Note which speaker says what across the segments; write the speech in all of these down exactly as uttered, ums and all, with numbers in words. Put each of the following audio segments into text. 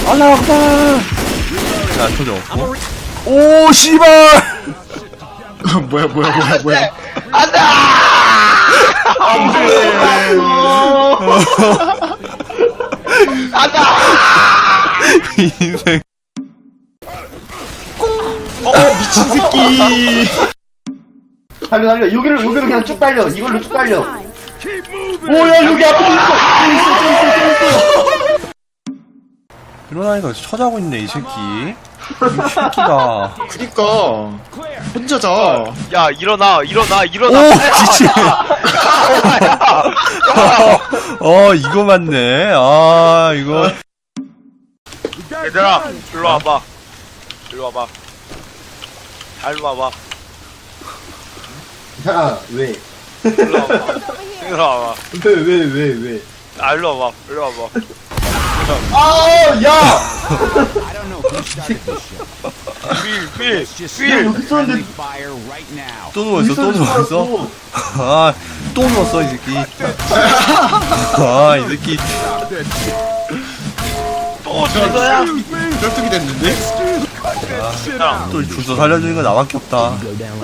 Speaker 1: 알라 악바. 야 터져. 오 씨발.
Speaker 2: 뭐야 뭐야 뭐야 뭐야.
Speaker 3: 안돼. 안돼.
Speaker 1: 인생.
Speaker 2: 어 미친 새끼.
Speaker 4: 달려 달려 여기를 여기로 그냥 쭉 달려 이걸로 쭉 달려. 오야 여기 앞에 또 있어 또 있어 또 있어 또 있어.
Speaker 1: 일어나니까 쳐자고 있네 이 새끼. 이 새끼가.
Speaker 2: 그니까 혼자 자.
Speaker 3: 야 일어나 일어나 일어나.
Speaker 1: 오 미친. 어 이거 맞네. 아 이거.
Speaker 3: 얘들아 일로 와봐. 일로 와봐. 다 일로 와봐.
Speaker 4: 야 왜?
Speaker 3: 일로 와봐. 일로 와봐.
Speaker 4: 왜 왜 왜 왜?
Speaker 3: 아 일로 와봐. 일로 와봐.
Speaker 4: 아 야!
Speaker 3: 필 필 필.
Speaker 4: 여기 있었는데
Speaker 1: 또 누웠어 또 누웠어. 아또 누웠어 이 새끼. 아 이 새끼.
Speaker 3: 또 죽어야.
Speaker 2: 쩔뚝이 됐는데?
Speaker 3: 야
Speaker 1: 또 줄서 살려주는 거 나밖에 없다.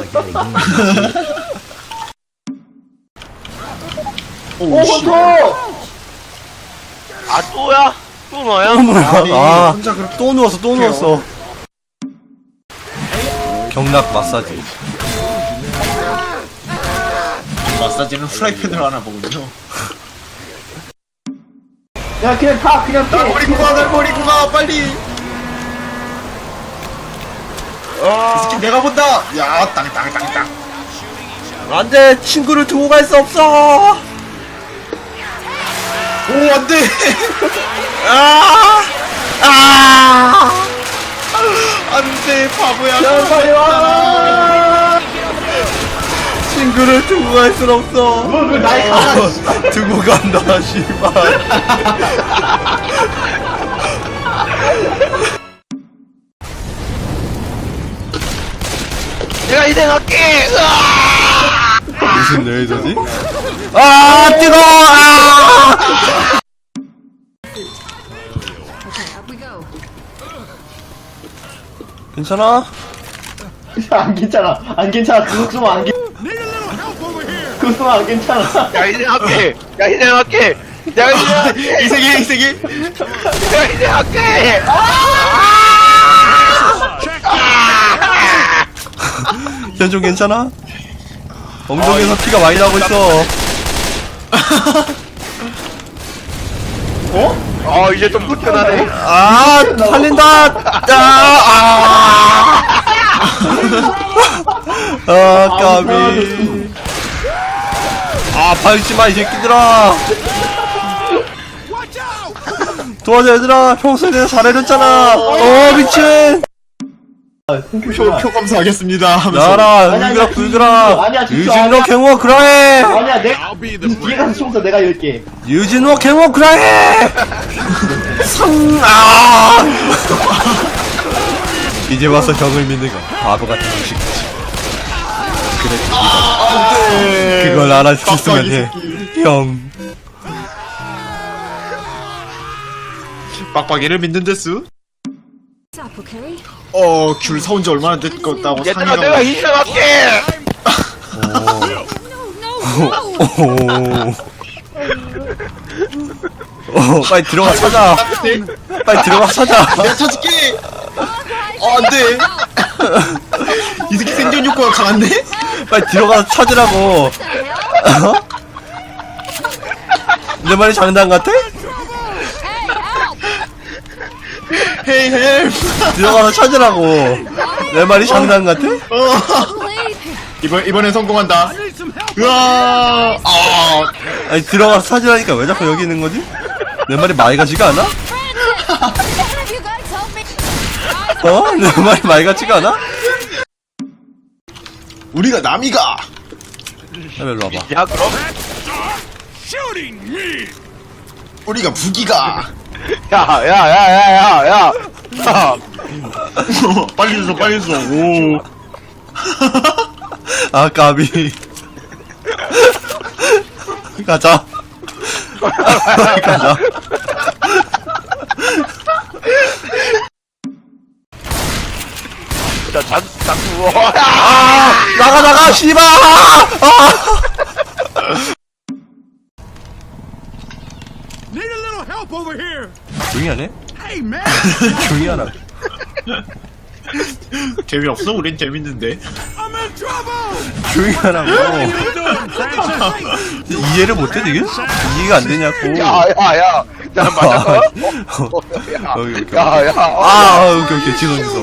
Speaker 4: 오 헌터!
Speaker 3: 아 또야? 또 너야?
Speaker 2: 아니,
Speaker 1: 아,
Speaker 2: 혼자 그렇게
Speaker 1: 또 누웠어, 또 누웠어. 경락 마사지.
Speaker 2: 마사지는 프라이팬으로 하나 보거든요.
Speaker 4: 야 그냥 가 그냥
Speaker 2: 날
Speaker 4: 피해.
Speaker 2: 버리고 가, 날 버리고 가, 빨리. 이 새끼 내가 본다. 야, 땅, 땅, 땅, 땅.
Speaker 1: 안 돼! 친구를 두고 갈 수 없어!
Speaker 2: 오, 안 돼.
Speaker 1: 아! 아!
Speaker 2: 안 돼, 바보야.
Speaker 4: 야 빨리 와!
Speaker 1: 친구를 두고 갈 순 없어.
Speaker 4: 너왜 나이 가라?
Speaker 1: 두고 간다, 씨발.
Speaker 3: 내가 이생할게.
Speaker 1: 무슨 레이저지? 아, 뜨거워! 아! 괜찮아?
Speaker 4: 안 괜찮아 안 괜찮아 그거 좀 안 괜. 그거 좀 안 괜찮아.
Speaker 3: 야 이생할게. 야 이생할게. 내가 이생할게.
Speaker 2: 이 세계, 이 세계.
Speaker 3: 내가 이생할게.
Speaker 1: 현종 괜찮아? 엉덩이에서 피가 많이 나고 있어.
Speaker 3: 어 이제 좀 불편하네.
Speaker 1: 아, 살린다! 아, 아! 아, 까비. 아, 밟지 마, 이 새끼들아! 도와줘, 얘들아! 평소에 내가 잘해줬잖아! 어, 미친!
Speaker 2: 표, 표 감사하겠습니다. 하면서.
Speaker 1: 나라,
Speaker 4: 아니, 아니,
Speaker 1: 울그라,
Speaker 4: 아니,
Speaker 1: 불그라!
Speaker 4: 아니야, 진짜
Speaker 1: 유진로
Speaker 4: 아니야.
Speaker 1: 갱호 그라해!
Speaker 4: 아니야 내 뒤에 가서 총서 내가 열게.
Speaker 1: 유진로 갱호 그라해! 성, 아! 이제 와서 형을 믿는 건 바보 같은 무식이지. 그래,
Speaker 2: 네.
Speaker 1: 그걸 알아줬으면
Speaker 2: 깜빡이
Speaker 1: 해.
Speaker 2: 새끼.
Speaker 1: 형.
Speaker 2: 빡빡이를 믿는 데스?
Speaker 5: Stop, okay?
Speaker 2: 어, 귤 사온 지 얼마나 됐다고
Speaker 3: 얘들아
Speaker 2: 상의가.
Speaker 3: 내가 이생할게.
Speaker 1: 오. 오, 빨리 들어가 찾아. 빨리 들어가 찾아.
Speaker 2: 내가 찾을게! 어, 안 돼! 이 새끼 생존 욕구가 강한데?
Speaker 1: 빨리 들어가서 찾으라고. 어? 내 말이 장난 같아?
Speaker 2: 헤이, 헬프!
Speaker 1: 들어가서 찾으라고. 내 말이 장난 같아?
Speaker 2: 어. 이번, 이번엔 성공한다. 으아! 아,
Speaker 1: 아니 들어가서 찾으라니까 왜 자꾸 여기 있는 거지? 내 말이 말 같지가 않아? 어? 내 말이 말 같지가 않아?
Speaker 2: 우리가 남이가!
Speaker 1: 야, 일로 와봐.
Speaker 3: 야 그럼.
Speaker 2: 우리가 북이가!
Speaker 3: 야야야야야야. 야.
Speaker 2: 빨리 줘, 빨리 줘. 오.
Speaker 1: 아 까비. 가자. 가자.
Speaker 3: 자, 잔, 장수.
Speaker 1: 아 나가 나가 씨발 아
Speaker 6: Need a little help over here.
Speaker 1: 조용히 하네
Speaker 6: Hey, man.
Speaker 1: 조용히 하라
Speaker 2: 재미없어? 우린 재밌는데.
Speaker 6: I'm in trouble.
Speaker 1: 조용히 하라고
Speaker 6: What are you doing, Francis?
Speaker 1: 이해를 못해 지금 이해가 안 되냐고
Speaker 3: 야, 야, 야. 나 맞았어? 어?
Speaker 1: 어, 오케이, 오케이.
Speaker 3: 야, 야. 어,
Speaker 1: 아 오케이 오케이 지성 지성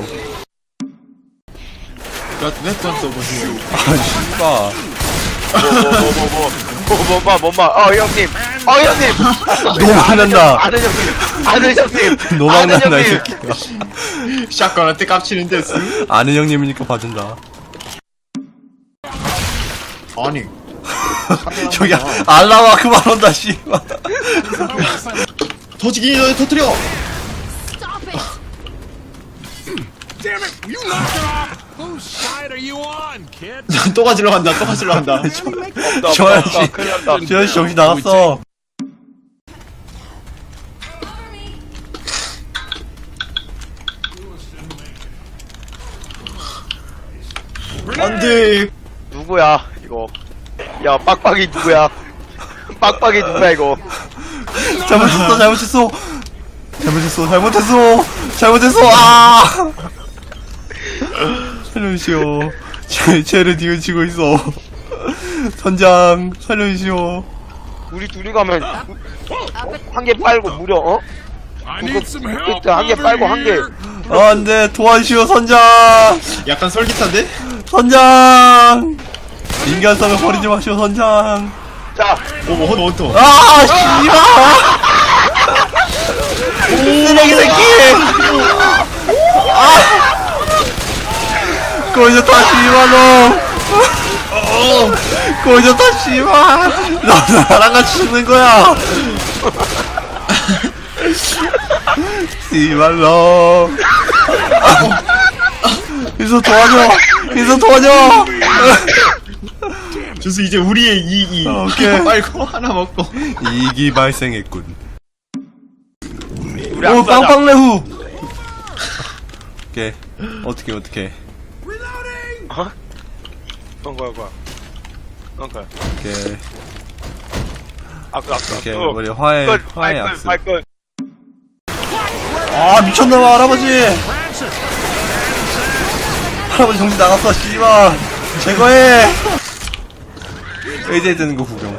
Speaker 2: 렛츠던 써보세요.
Speaker 1: 아 씨발
Speaker 3: 뭐, 뭐, 뭐, 뭐, 뭐, 뭐, 뭐, 뭐, 뭐, 어, 형님. 어, 형님.
Speaker 1: 너무 화난다
Speaker 3: 아들 형님. 아들 형님.
Speaker 1: 노망
Speaker 3: 아들
Speaker 1: 난다 이
Speaker 3: 형님.
Speaker 1: 새끼가
Speaker 2: 샷건한테 깝치는 데스.
Speaker 1: 아는 형님이니까 봐준다
Speaker 2: 아니.
Speaker 1: 저기 알라와 그만 온다 씨발
Speaker 2: 터지기 전에 터뜨려.
Speaker 5: Stop it!
Speaker 6: Damn it! You knocked it off. Whose side are you on, kid?
Speaker 2: 또 가지러 간다. 또 가지러 간다.
Speaker 3: 없다,
Speaker 1: 저
Speaker 3: 없다,
Speaker 1: 아저씨
Speaker 3: 없다. 큰일 났다.
Speaker 1: 저 아저씨 정신 나갔어
Speaker 2: 안돼.
Speaker 3: 누구야, 이거. 야, 빡빡이 누구야? 빡빡이 누구야, 이거?
Speaker 1: 잘못했어 잘못했어 잘못했어 잘못했어 잘못했어 아 살려주시오 쟤, 쟤를 뒤우치고 있어 선장 살려주시오
Speaker 3: 우리 둘이 가면 한 개 빨고 무려, 어?
Speaker 6: I need some help.
Speaker 3: 한 개
Speaker 6: over
Speaker 3: 빨고 한 개.
Speaker 6: here.
Speaker 1: 아, 안돼 도와주시오 선장
Speaker 2: 약간 솔깃한데?
Speaker 1: 선장 인간성을 버리지 마시오 선장
Speaker 3: 자,
Speaker 2: 오, 원, 원터.
Speaker 1: 아 씨발 쓰레기 새끼 아 꼬이졌다 씨발놈 꼬이졌다 씨발 너 나랑 같이 죽는 거야 씨발놈 인서 도와줘 인서 도와줘
Speaker 2: 준수 이제 우리의 이이.
Speaker 1: 어, 오케이.
Speaker 2: 빨고 하나 먹고.
Speaker 1: 이익이 발생했군
Speaker 3: 우리
Speaker 1: 오
Speaker 3: 안 쏴자.
Speaker 1: 빵빵레후 오케이 어떻게 어떻게
Speaker 3: 어? 어, 뭐야, 뭐야. 어, 그래.
Speaker 1: 오케이
Speaker 3: 악수, 악수,
Speaker 1: 오케이
Speaker 3: 악수.
Speaker 1: 우리 화해
Speaker 3: 끝,
Speaker 1: 화해
Speaker 3: 발끝,
Speaker 1: 악수
Speaker 3: 발끝.
Speaker 1: 아 미쳤나봐 할아버지 할아버지 정신 나갔어 씨발 제거해 의제 드는 거 구경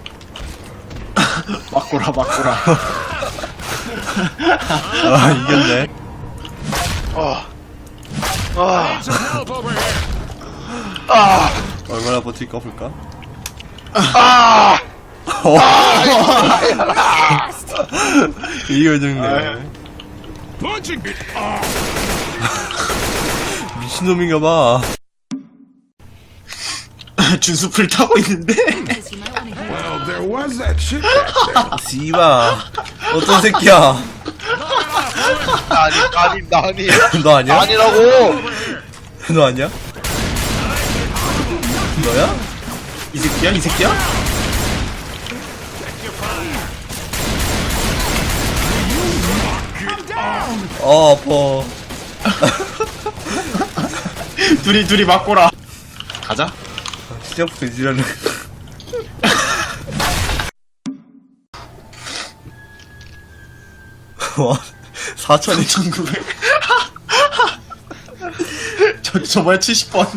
Speaker 2: 막고라, 막고라.
Speaker 1: 아 이겼네
Speaker 3: 아, 아,
Speaker 6: Some help over here.
Speaker 3: 아,
Speaker 1: 얼마나 버틸까 볼까
Speaker 3: 아.
Speaker 1: 어. 이거 죽네
Speaker 6: Punching.
Speaker 1: 미친놈인가봐
Speaker 2: 준수 풀 타고 있는데?
Speaker 5: Because you might want to hear
Speaker 6: Well, there was that shit.
Speaker 1: 씨발 어떤 새끼야
Speaker 3: 아니, 아니, 나 아니.
Speaker 1: 너 아니야?
Speaker 3: 아니라고.
Speaker 1: 너 아니야? 너야?
Speaker 2: 이 새끼야? 이 새끼야?
Speaker 1: 어 아파
Speaker 2: 둘이, 둘이 막고라. 가자.
Speaker 1: 시작부터 지랄을 와 사천이
Speaker 2: 천구백. 저, 저번에 칠십 번.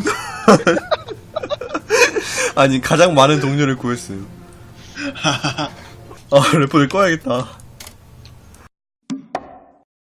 Speaker 1: 아니 가장 많은 동료를 구했어요 아 래퍼를 꺼야겠다